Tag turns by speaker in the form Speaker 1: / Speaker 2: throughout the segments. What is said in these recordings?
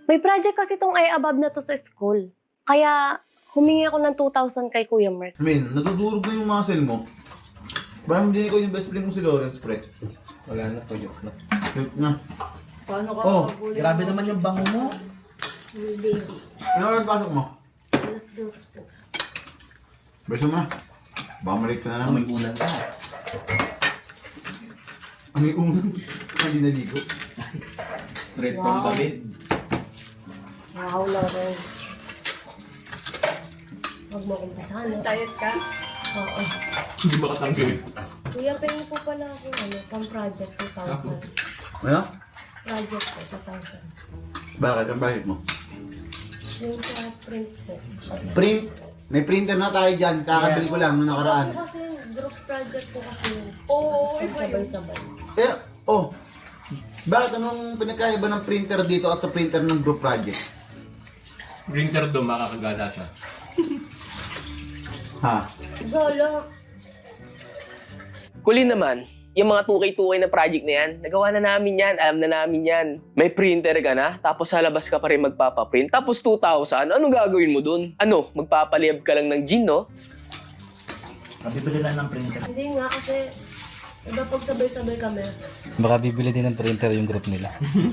Speaker 1: May project kasi tong I-above na to sa school. Kaya humingi ako ng 2,000 kay Kuya Mark.
Speaker 2: Natudurog na yung muscle mo. Parang hindi ko yung best friend mo si Lawrence, pre.
Speaker 3: Wala na, tuyok na.
Speaker 2: Tuyok na.
Speaker 4: Paano ka
Speaker 3: Oh,
Speaker 4: makabuli
Speaker 3: grabe
Speaker 4: mo?
Speaker 3: naman yung bango mo.
Speaker 4: Baby.
Speaker 2: Ano oras pasok mo?
Speaker 4: Alas 2 po.
Speaker 2: Beso mo na. Baka malik ka na
Speaker 3: Amoy
Speaker 2: naman.
Speaker 3: ulan ka.
Speaker 2: Ano yung unang? Hindi naligo.
Speaker 3: Straight from the bed.
Speaker 1: Wow, Lawrence. Huwag mo akong basahan.
Speaker 4: Diet ka?
Speaker 1: Oo.
Speaker 3: Hindi makatanggal.
Speaker 1: Kuya, pwede po pala ako pang project 2,000.
Speaker 2: Ano?
Speaker 1: Project po, 2,000.
Speaker 2: Bakit? Ang bakit mo?
Speaker 1: Yung sa print po.
Speaker 2: Print. May printer na tayo dyan. Kakabili ko lang nung nakaraan.
Speaker 1: Ako kasi group project po kasi.
Speaker 4: Oo, iba yun.
Speaker 1: Sabay-sabay.
Speaker 2: Eh, oh. Bakit anong pinagkaiba ng printer dito at sa printer ng group project?
Speaker 3: Printer doon, makakagala siya.
Speaker 2: Ha?
Speaker 1: Gala.
Speaker 5: Kulin naman, yung mga tukay-tukay na project na yan, nagawa na namin yan, alam na namin yan. May printer ka na, tapos sa labas ka pa rin magpapaprint, tapos 2,000, anong gagawin mo dun? Ano, magpapaliyab ka lang ng gin, no?
Speaker 3: Kabibili lang ng printer.
Speaker 1: Hindi nga kasi, iba pag sabay-sabay kami.
Speaker 6: Baka bibili din ng printer yung group nila.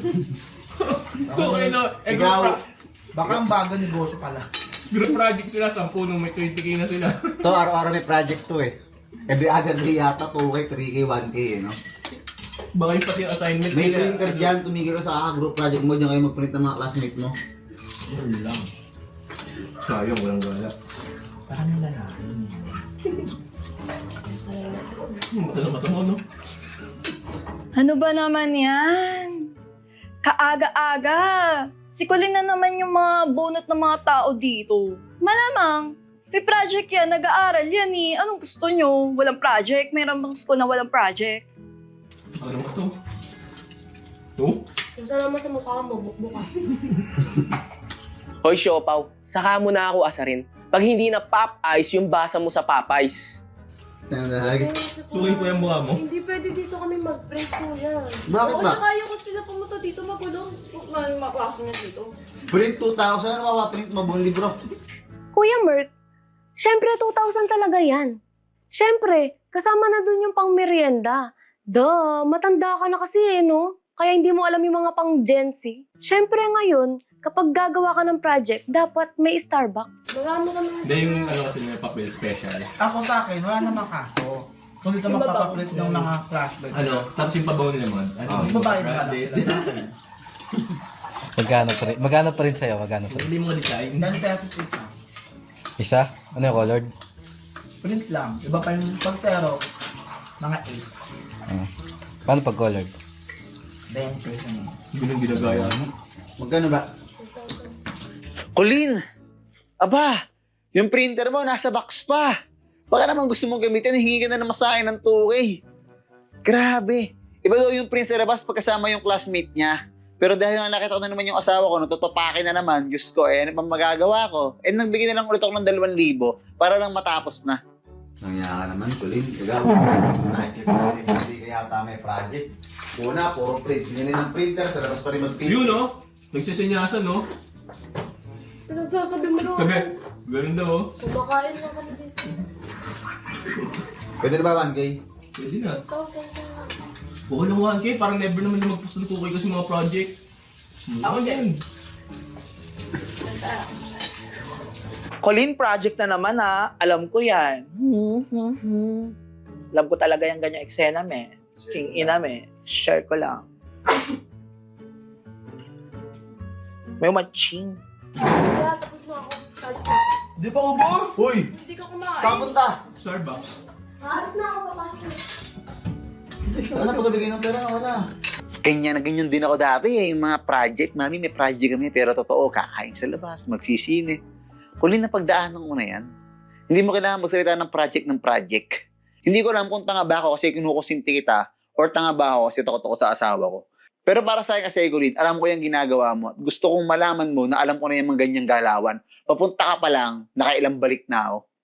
Speaker 3: Okay, no?
Speaker 2: Ikaw,
Speaker 3: Baka ang bago negosyo pala.
Speaker 7: Group project sila, 10 nung may 20k na sila.
Speaker 2: to araw-araw may project to eh. Every other day yata 2K, 3K, 1K eh, no?
Speaker 7: Baka yung pati yung assignment
Speaker 2: May
Speaker 7: nila.
Speaker 2: printer dyan, tumigil ka sa group project mo, dyan kayo mag-print ng mga classmate mo.
Speaker 3: Yun lang.
Speaker 7: Sayang, walang gala.
Speaker 3: Parang yung lalaki.
Speaker 7: Mata na mata mo, no?
Speaker 8: Ano ba naman yan? Kaaga-aga. Sikulin na naman yung mga bunot ng mga tao dito. Malamang, may project yan, nag-aaral yan eh. Anong gusto nyo? Walang project? Mayroon bang school na walang project?
Speaker 7: Ano ba to? Oh?
Speaker 1: Kung saan naman sa mukha mo, bukbuka.
Speaker 5: Hoy, Siopaw, saka mo na ako asarin. Pag hindi na pop ice yung basa mo sa Popeyes.
Speaker 2: Yan na lagi.
Speaker 7: Sukin ko yung mukha mo.
Speaker 1: Hindi pwede dito kami mag-print kuya.
Speaker 2: Bakit
Speaker 4: Oo,
Speaker 2: ba?
Speaker 4: tsaka yung kung sila pumunta dito, magulong. Kung nga yung mga klase niya dito.
Speaker 2: Print 2,000, ano mapaprint mo buong libro?
Speaker 1: Kuya Mert, syempre 2,000 talaga yan. Syempre, kasama na dun yung pang merienda. Duh, matanda ka na kasi eh, no? Kaya hindi mo alam yung mga pang Gen Z. Syempre ngayon, kapag gagawa ka ng project, dapat may Starbucks. Marami kami.
Speaker 7: Hindi yung ano kasi may papel special.
Speaker 3: Ako sa akin, wala namang kaso. Kung dito
Speaker 4: Yung
Speaker 3: magpapaprint ng mga classmates.
Speaker 7: Ano? Tapos yung pabaw nila mo.
Speaker 3: Yung babae na lang sila sa akin.
Speaker 6: Magkano pa rin sa'yo? Magkano pa rin?
Speaker 7: Hindi mo design.
Speaker 3: 10 pesos isa.
Speaker 6: Isa? Ano yung colored?
Speaker 3: Print lang. Iba pa yung pag zero, mga 8.
Speaker 6: Paano pag colored?
Speaker 3: 20 pesos.
Speaker 7: Hindi nang ginagaya mo.
Speaker 2: Magkano ba?
Speaker 9: Colleen! Aba! Yung printer mo, nasa box pa! Baka naman gusto mong gamitin, hingi ka na naman sa akin ng 2K. Grabe! Iba daw yung print sa labas pagkasama yung classmate niya. Pero dahil nga nakita ko na naman yung asawa ko, natutupakin na naman, Diyos ko, ano pang magagawa ko? Nagbigay na lang ulit ako ng 2,000 para lang matapos na.
Speaker 2: Nangyaya ka naman, Colin. Ikaw, nakikita ko hindi kaya may project. Una, puro print. Hindi ng printer, sa labas pa rin mag-print.
Speaker 7: Yun, no? Nagsisenyasan, no?
Speaker 1: Pinagsasabi mo lang.
Speaker 7: Sabi, ganun daw, oh.
Speaker 1: Kumakain lang kami dito.
Speaker 2: Pwede na ba 1K?
Speaker 7: Pwede na. Okay lang 1K, parang never naman na mag-post ng 2K kasi mga project. Ako din.
Speaker 9: Colleen, project na naman ha. Alam ko yan. Alam ko talaga yung ganyang eksena, me. King ina, me. Share ko lang. May matching.
Speaker 1: Kuya, tapos na ako. Alis na ako.
Speaker 2: Di pa ubos! Uy!
Speaker 4: Hindi ka kumain.
Speaker 2: Kapunta!
Speaker 7: Starbucks.
Speaker 1: Alis na ako, papasok.
Speaker 2: Wala na pagbibigay ng pera, wala.
Speaker 9: Ganyan na ganyan din ako dati eh. Yung mga project, mami, may project kami. Pero totoo, kakain sa labas, magsisine. Colleen, napagdaanan ko na yan. Hindi mo kailangan magsalita ng project. Hindi ko alam kung tanga ba ako kasi kinukusinti kita or tanga ba ako kasi takot ako sa asawa ko. Pero para sa akin kasi, Colleen, alam ko yung ginagawa mo. Gusto kong malaman mo na alam ko na yung mga ganyang galawan. Papunta ka pa lang, nakailang balik na ako.